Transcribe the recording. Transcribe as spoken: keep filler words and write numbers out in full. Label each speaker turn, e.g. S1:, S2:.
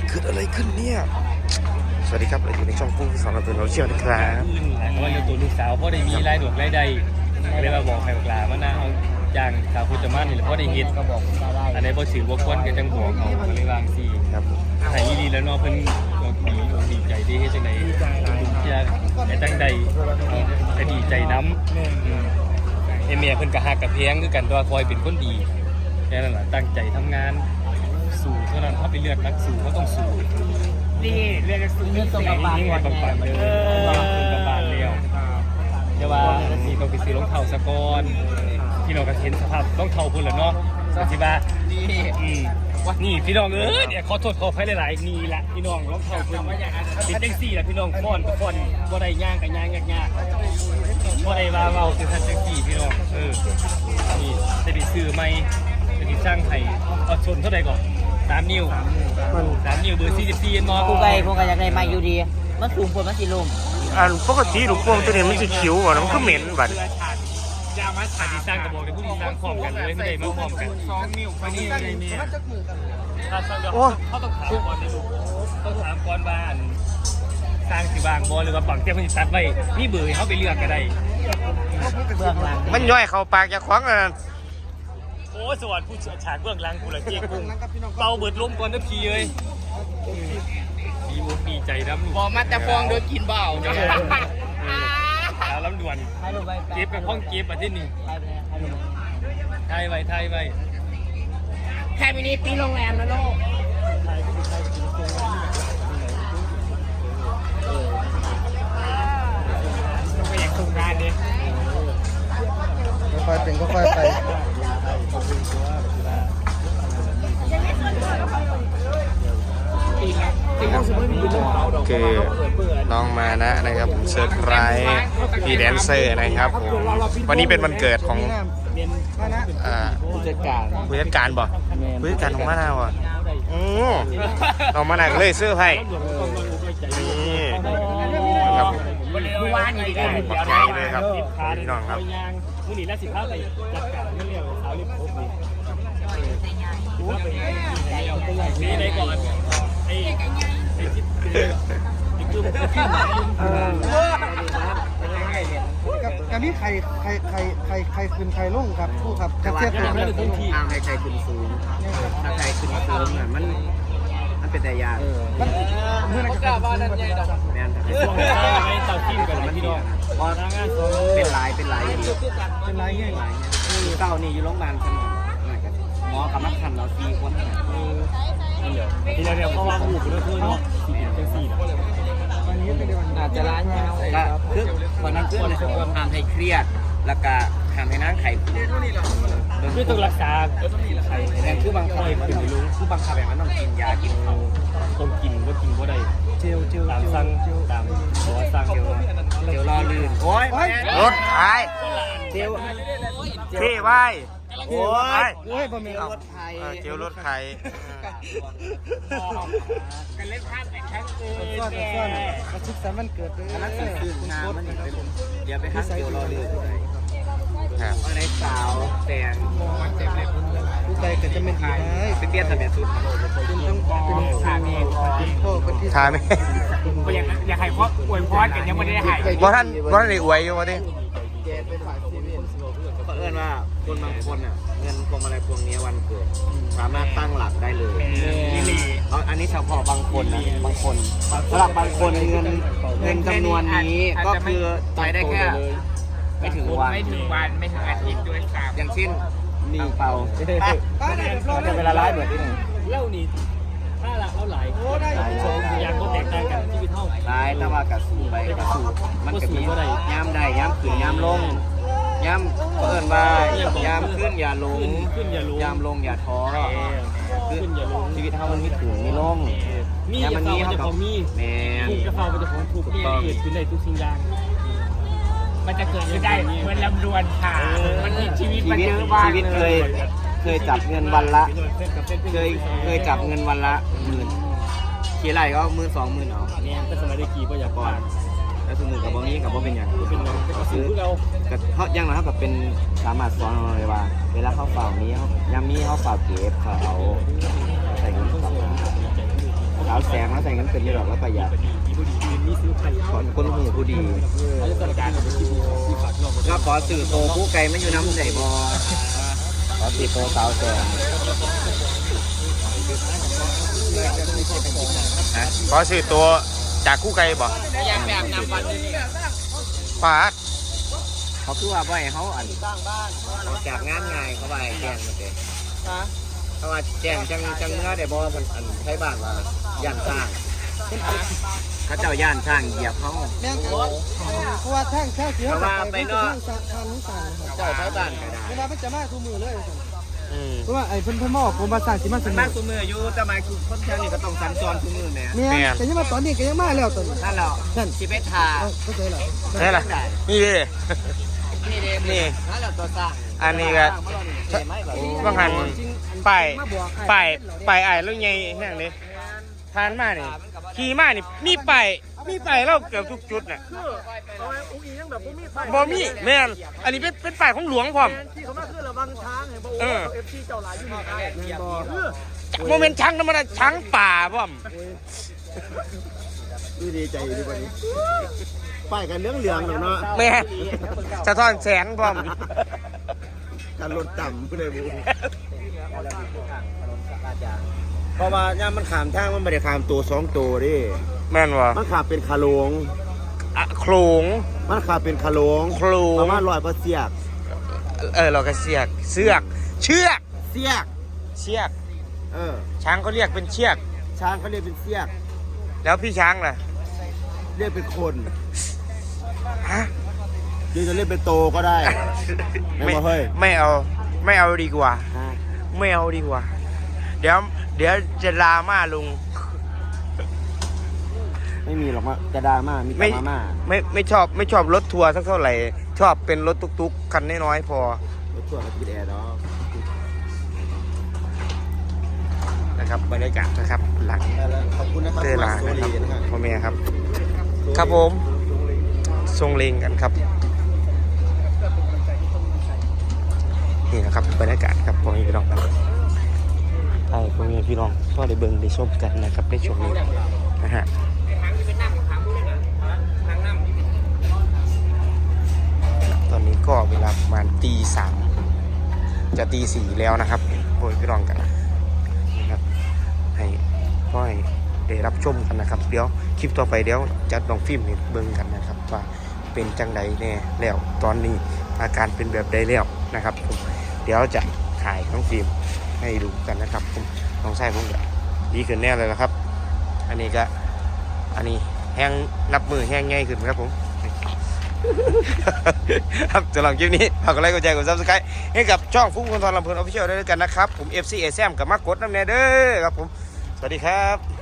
S1: เกิดอะไรขึ้นเนี่ยสวัสดีครับเราอยู่ในช่องผู้สอนเราตัวเราเชี่ยวนะครับ
S2: เพราะว่าตัวลูกสาวพ่อได้มีรายดวกรายใดเลยมาบอกใครบอกลามานะเอาจ้างสาวพุทธมานี่แหละพ่อได้เฮ็ดก็บอกอันนี้พ่อสื่อว่าคนกันจังบอกเขาก็เลยวางซี
S1: ครับ
S2: ไห้ดีแล้วเนาะเพิ่นดีดีใจดีเฮ็ดจังได๋ดุเที่ยแต่จังใดก็ดีใจนำเอเมียเพิ่นก็ฮักกับเพียงคือกันตัวคอยเป็นคนดีแค่นั้นล่ะตั้งใจทำงานสู้เท่านั้นถ้าไปเลือกนักสู้เขาต้องสู้นี่เรียกสู้นี่ต้องกระบาดก่อนต้องปั่นเลยต้องกระบาดเร็วเดี๋ยวว่าสิต้องไปซื้อรองเท้าซะก่อนพี่น้องก็เห็นสภาพรองเท้าพุ่นแล้วเนาะสิว่านี่อืมนี่พี่น้องเอ้ยเนี่ยขอโทษขออภัยหลายๆนี่ล่ะพี่น้องรองเท้าเพิ่นเป็นจังซี่ล่ะพี่น้องฟ้อนก็ฟ้อนบ่ได้ย่างก็ย่างยากๆบ่ได้ว่าเว้าคือท่านจังซี่พี่น้องเออนี่จะได้ซื้อใหม่จะได้สร้างให้เอาชนเท่าใดก่อนสามนิ้วสามนิ้วเบอร์สี่สิบสี่มอ
S3: กูไปพวกกันอยากได้มาอยู่ดีมันสูงกว่ามันสิลม
S1: อันปกติลูกโป่งตัวนี้มันจะขิวอ่ะมันก็เหม็นบัด
S2: ยามาถ่ายดีสร้างกระบอกในผู้ดีสร้างพร้อมกันเลยไม่ได้มาพร้อมกันสองนิ้วไปนี่ไงเนี่ยถ้าสร้างเดี๋ยวเขาต้องถามก่อนนะลูกต้องถามก่อนบ้านสร้างสิบางบอหรือว่าบังเจ้ามันตัดไว้นี่เบื่อเขาไปเลือกก็ได้
S3: เบื้องหลัง
S1: มันย่อยเข้าปากจะคว้างอ่ะ
S2: โอ้สวัสดิ์ผู้เชี่ยวชาญเบื้องหลังกูละเจ๊กุ้งเป่าเบิดลมก่อนนะพี่เอ้ยดีมุกดีใจน้ำ
S4: บอกมาแต่ฟองโดยกินเบา
S2: แล้วลำด่วนเก็บกับห้องเก็บมาที่นี่ไทยไว้ไทยไว้
S4: แค่มินิปีโรงแรมนะโลกไปอยากทำงานดิ
S5: ค่อยๆเป็นก็ค่อยไป
S1: คือน้องมานะนะครับผมเซอร์ไพรส์พี่แดนเซอร์นะครับผมวันนี้เป็นวันเกิดของ
S3: ผู้จัดการ
S1: ผู้จัดการบ่ผู้จัดการของมานะบ่โอ้น้องมานะก็เลยเสื้อไพ่นี่ครับ
S4: ผู้ว่านี่ดีกัน
S1: ขอบใจเลยครับพี่น้องครับ
S2: ผู้นี้และสิบห้าไปจัดการเรื่องเรียกสาวเรียกครบนี่นี่ได้ก่อนไอ้ไอ้จิ๊บไอ้กลุ่มขึ้นมา
S5: กับนี้ใครใครใครใครใครขึ้นใครลงครับผู้ครับจะเทียบตัวกัน
S3: ทางใครใครขึ้นสูงถ้าใครขึ้นสูงเนี่ยมันมันเป็นแต่ยาก
S5: เมื่อไหร่จะบ้านนั้นใหญ่ดอก
S3: แม่นแต่
S2: ช่วงไม่เต่าทิ้งกันมันพี่น้อง
S3: พอทางงานเป็นหลายเป็นหลาย
S5: เป็นไรเงี้ย
S3: คือเก้านี่อยู่โรงพยาบาลสมองหมอกับนักขันเราสี่คน
S2: เดี๋ยวทีเดียวเพราะว่าหูเป็นเพื่อนเนาะสี่เป็นสี่นะ
S3: อาจจะร้านยาวก็คือคนนั้นคือทำให้เครียดแล้วก็ทำให้นั่งไข่
S2: คือต้องรักษาไข่
S3: แต่คือบางคนมันไม่รู้คือบางคำแบบมันต้องกินยากินเขา
S2: ต้องกินว่ากินว่าได้
S5: เจลเจล
S2: ตามสั่งตามหัวสั่งเจล
S3: เจลรอลื่นโอ้ย
S1: รถไทย
S3: เจล
S1: พี่ไว้
S5: โอ้ยโอ้ยบะหมี่รถไทย
S1: เจลรถไทย
S4: กันเล่นภาพแต่ครั้งเกิน
S5: ซ่อนซ่อนกระชิบสามวันเกิดเลย
S3: อันนั้นคืองานมันเดี๋ยวไปหาเจลรอลื่น
S1: ครับ
S3: อะไรสาวแต่ง
S5: ผู้ใจก็จะไม่ดีได้
S3: เป็นเบี้ยทะเบียนสุด
S5: เป็นต้องเป็นสามีเป็นพ่อคนที่
S1: ทายไหม
S4: อยากอยากให้พ่ออวยพรกันยังไม่ได้ให้
S1: ว่าท่านว่าท่านได้อวยอยู่วะดิ
S3: เขาเอื้อนว่าคนบางคนอ่ะเงินพวงมาลัยพวงนี้วันเกิดสามารถตั้งหลักได้เลยเอาอันนี้เฉพาะบางคนนะบางคนสำหรับบางคนเงินเงินจำนวนนี้ก็คือไปได้แค่ไม่ถึงวัน
S4: ไม่ถึงวันไม่ถึงอาทิตย์ด้วยซ้ำ
S3: อย่างเช่นนี่เป่าจะเวลาไลฟ์เหมือนที่หนึ่ง
S2: เล่านี่ถ้าละเท่าไหร่ชมอย่างก็แตกต่างกันที่พี่เท่า
S3: ไลฟ์ถ้าว่ากระสูไปกระสูมันก็มีย้ำได้ย้ำขึ้นย้ำลงย้ำเปิดว่าย้ำขึ้นอย่าลง
S2: ขึ้นอย่าลง
S3: ย้ำลงอย่าท้อ
S2: ขึ้นอย่าลง
S3: ชีวิตเท่ามันไม่ถึงไม่ลง
S2: มีมันมีจะของมี
S3: แม่
S2: ถูกกระเป๋ามันจะของถูกเกิดขึ้นได้ทุกสิ่งอย่าง
S4: มันจะเกิดขึ้นได้เหมือนลำดวนค่ะมันมีชีวิตมันเยอะมาก
S3: ชีวิตเคยเคยจับเงินวันละเคยเคยจับเงินวันละหมื่นขี่ไรก็หมื่นสองหมื่นเอา
S2: เนี่ยก็สมัยได้ขี่ก็อยากก่อน
S3: แล้วสมุนกับบะหมี่กับบะเป็นอย่าง
S2: เป็นอย่างก็ซื้อเรา
S3: เขาย่างนะเขากับเป็นสามารถสอนเราเลยว่าเวลาเขาฝ่ามีเขายามีเขาฝ่าเก็บเขาเอาใส่เงินสาวแสงแล้วใส่เงินเป็นไม่หรอกแล้วประหยัดขอนคนหูผู้ดีก็ขอสื่อโตผู้ไกลไม่อยู่น้ำใส่บอขอสื่อโตสาวแสง
S1: ขอซื้อตัวจากคู่ไกลบ่
S4: อยากแบบนำวันนี้
S1: ปาด
S3: เขาคือว่าบ่อยเขาอันเขาจากงานง่ายเขาไปแจ้งมาเตะเขาว่าแจ้งจังจังเมื่อได้บอมันอันใช้บ้านว่าย่านสร้างเขาเจ้าย่านสร้างเหยียบเขา
S5: แม่งเพราะว่าทางทางเสีย
S3: เพราะว่าไปนอก
S5: ทางทางนู้นสั่งครับ
S3: เจ้าใช้บ้านก็ได้
S5: เวลามันจะมาทุกมือเลย
S1: อืม
S5: เพราะว่าไอ้เพิ่นเพิ่นมาออกผมมาสั่งสิมาส
S3: มัน
S5: นุ
S3: มาก กตัวมืออยู่แต่หมายคือคนแถวนี้ก็ต้องสัญจรตัวมือแม่
S5: แม่แต่ยังมาตอนนี้ก็ยังมาแล้วตอนนี้
S3: นั่นแหละ
S5: นั่น
S3: สิเปทา
S5: เข้าใจแล้ว
S1: นี่แหละนี่ดิ
S3: นี่เด้
S1: นี่
S3: นั่นแหละตัวสร้าง
S1: อันนี้ก็บางหันไปไปไปไอ้แล้วไงแห้งเลยทานมานี่ขี่มานี่มีไปมีไปเราเกือบทุกจุดน่ะบ่มีแม่นอันนี้เป็นเป็นป้ายของหลวงพร้อม
S5: ที่เขามาคือระวังช้างเห็นบ่
S1: เออ
S5: เอฟซีเจ้าหลายอยู่นี่ได้บ่
S1: โมเมนต์ช้างธรรมดาช้างป่าพร้อม
S3: ดีใจดีกว่านี้ป้ายกันเรื่องเหลืองเนาะ
S1: แม่สะท้อนแสงพร้อม
S3: การลดต่ำผู้ใดบุเพราะว่าย่ามันขามทางมันไม่ได้ขามตัวสองตัวดิ
S1: แม่นวะ
S3: มันขามเป็นคาโลง
S1: อะโคลง
S3: มันขามเป็นคาโลง
S1: โคลง
S3: ประมาณร้อยเปอร์เซียก
S1: เออเราก็เสียกเสือกเชือก
S3: เซียก
S1: เชือก
S3: เออ
S1: ช้างเขาเรียกเป็นเชือก
S3: ช้างเขาเรียกเป็นเซียก
S1: แล้วพี่ช้างล่ะ
S3: เรียกเป็นคน
S1: ฮะ
S3: หรือจะเรียกเป็นโตก็ได้ ไม่ว่าเฮ้ย
S1: ไม่เอาไม่เอาดีกว่า
S3: ฮะ
S1: ไม่เอาดีกว่า เดี๋ยวเดี๋ยวจะลาม่าลุง
S3: ไม่มีหรอกมาจะดราม่ามีแต่
S1: ไม่
S3: มาม่า
S1: ไม่ไม่ชอบไม่ชอบรถทัวร์สักเท่าไหร่ ชอบเป็นรถตุ๊กๆคันน้อยๆพอ
S3: รถทัวร์กับพีแอร์เนาะ
S1: นะครับบรรยากาศนะครับหลัง
S3: ขอบคุณนะครับ
S1: เตลา
S3: โซ
S1: นะครับ
S3: ลีนะครับ
S1: พ่อแม่ครับ ครับผมทรงเลงกันครับนี่นะครับบรรยากาศครับพ่อแม่พี่น้องครับไอ้พ่อแม่พี่น้องก็ได้เบิ่งได้ชมกันนะครับในช่วงนี้นะฮะตอนนี้ก็เวลาประมาณตีสามจะตีสี่แล้วนะครับพ่อแม่พี่น้องกันนะครับให้พ่อให้ได้รับชมกันนะครับ เดี๋ยวคลิปต่อไปเดี๋ยวจัดลองฟิล์มให้เบิ่งกันนะครับว่าเป็นจังใดแน่แล้วตอนนี้อาการเป็นแบบใดแล้วนะครับผมเดี๋ยวจะถ่ายน้องฟิล์มให้ดูกันนะครับผมน้องชายผมจะดีขึ้นแน่เลยนะครับ อันนี้ก็อันนี้แห้งนับมือแห้งง่ายขึ้นครับผม ครับสำหรับคลิปนี้ฝากกดไลค์กดแชร์กดซับสไครต์ให้กับช่องฟุ้งคนทอนลำเพลินออฟฟิเชียลด้วยกันนะครับผม เอฟ ซี เอ แซมกับมากดน้ำแน่เด้อครับผมสวัสดีครับ